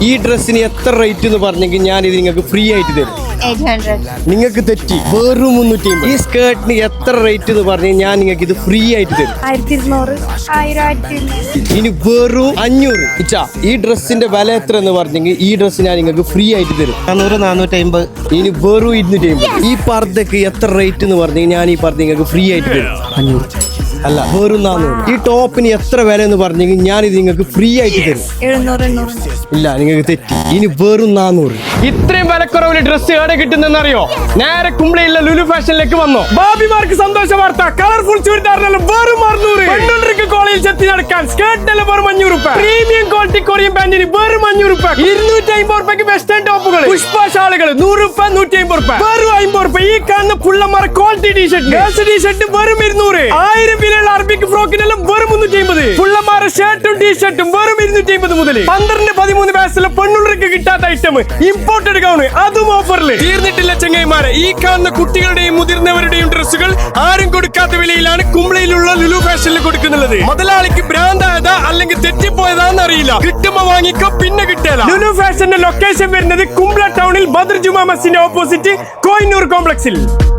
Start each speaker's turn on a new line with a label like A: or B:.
A: ഈ ഡ്രസ്സിന് എത്ര റേറ്റ് എന്ന് പറഞ്ഞെങ്കിൽ ഞാൻ ഇത് നിങ്ങൾക്ക് ഫ്രീ ആയിട്ട് തരും.
B: 800.
A: നിങ്ങൾക്ക് തെറ്റി, വെറും 350. ഈ സ്കേർട്ടിന് എത്ര റേറ്റ് എന്ന് പറഞ്ഞാൽ ഞാൻ നിങ്ങൾക്ക് ഇത് ഫ്രീ ആയിട്ട് തരും.
B: 1200. 1000.
A: ഇനി വെറും 500. ഇച്ചാ ഈ ഡ്രസ്സിന്റെ വില എത്ര എന്ന് പറഞ്ഞെങ്കിൽ ഈ ഡ്രസ്സ് ഞാൻ നിങ്ങൾക്ക് ഫ്രീ ആയിട്ട് തരും.
C: 400, 450.
A: ഇനി വെറും 250. ഈ പർദ്ദക്ക് എത്ര റേറ്റ് എന്ന് പറഞ്ഞെങ്കിൽ ഞാൻ ഈ പർദ്ദ നിങ്ങൾക്ക് ഫ്രീ ആയിട്ട് തരും.
C: 500.
A: അല്ല, വെറും 400. ഈ ടോപ്പിന് എത്ര വില എന്ന് പറഞ്ഞെങ്കിൽ ഞാൻ ഇത് നിങ്ങൾക്ക് ഫ്രീ ആയിട്ട് തരും.
B: 700. 800.
A: ഇല്ല, നിങ്ങൾക്ക് തെറ്റി. ഇനി വെറും 400. ഇത്രയും വിലക്കുറവിന് ഡ്രസ്സ് എവിടെ കിട്ടുന്നറിയോ? നേരെ കുമ്പളയിലെ ലുലു ഫാഷനിലേക്ക് വന്നോ. ബാബിമാർക്ക് സന്തോഷ വാർത്ത. കളർഫുൾ ചുരിദാറിനെല്ലാം വെറും 600. പെണ്ണുങ്ങൾക്ക് കോളേജിൽ ചെത്തി നടക്കാൻ സ്കേർട്ടിനെല്ലാം വെറും 500 രൂപ. പ്രീമിയം ക്വാളിറ്റി കൊറിയൻ പാന്റിന് വെറും 500 രൂപ. 250 രൂപയ്ക്ക് വെസ്റ്റേൺ ടോപ്പുകൾ, പുഷ്പ ഷാളുകൾ 100 രൂപ, 150 രൂപ. വെറും 50 രൂപ. ഈ കാണുന്ന പുള്ളമാർ ക്വാളിറ്റി ടീഷർട്ട്, ഗേൾസ് ടീഷർട്ട് വെറും 200. 1000 വിലയുള്ള അറബിക് ഫ്രോക്കിനെല്ലാം വെറും 350. പുള്ളമാരുടെ ഷർട്ടും ടീഷർട്ടും വെറും 250 മുതൽ 12-13 വയസ്സുള്ള പെണ്ണുള്ളവർക്ക് കിട്ടാത്ത ഐറ്റം ഇമ്പോർട്ടഡ് ഗൗൺ, അതും ഓഫറിൽ. തീർന്നിട്ടില്ല ചെങ്ങൈമാരെ. ഈ കാണുന്ന കുട്ടികളുടെയും മുതിർന്നവരുടെയും ഡ്രസ്സുകൾ ആരും കൊടുക്കാത്ത വിലയിലാണ് കുമ്പളയിലുള്ള ലുലു ഫാഷനിൽ കൊടുക്കുന്നുള്ളത്. മുതലാളിക്ക് ഭ്രാന്തായതാ അല്ലെങ്കിൽ തെറ്റിപ്പോയതാന്ന് അറിയില്ല. കിട്ടുമ്പോ വാങ്ങിക്കോ, പിന്നെ കിട്ടില്ല. ലുലു ഫാഷന്റെ ലൊക്കേഷൻ വരുന്നത് കുമ്പള ടൗണിൽ ബദർ ജുമാ മസ്ജിദിന്റെ ഓപ്പോസിറ്റ് കോഹിനൂർ കോംപ്ലക്സിൽ.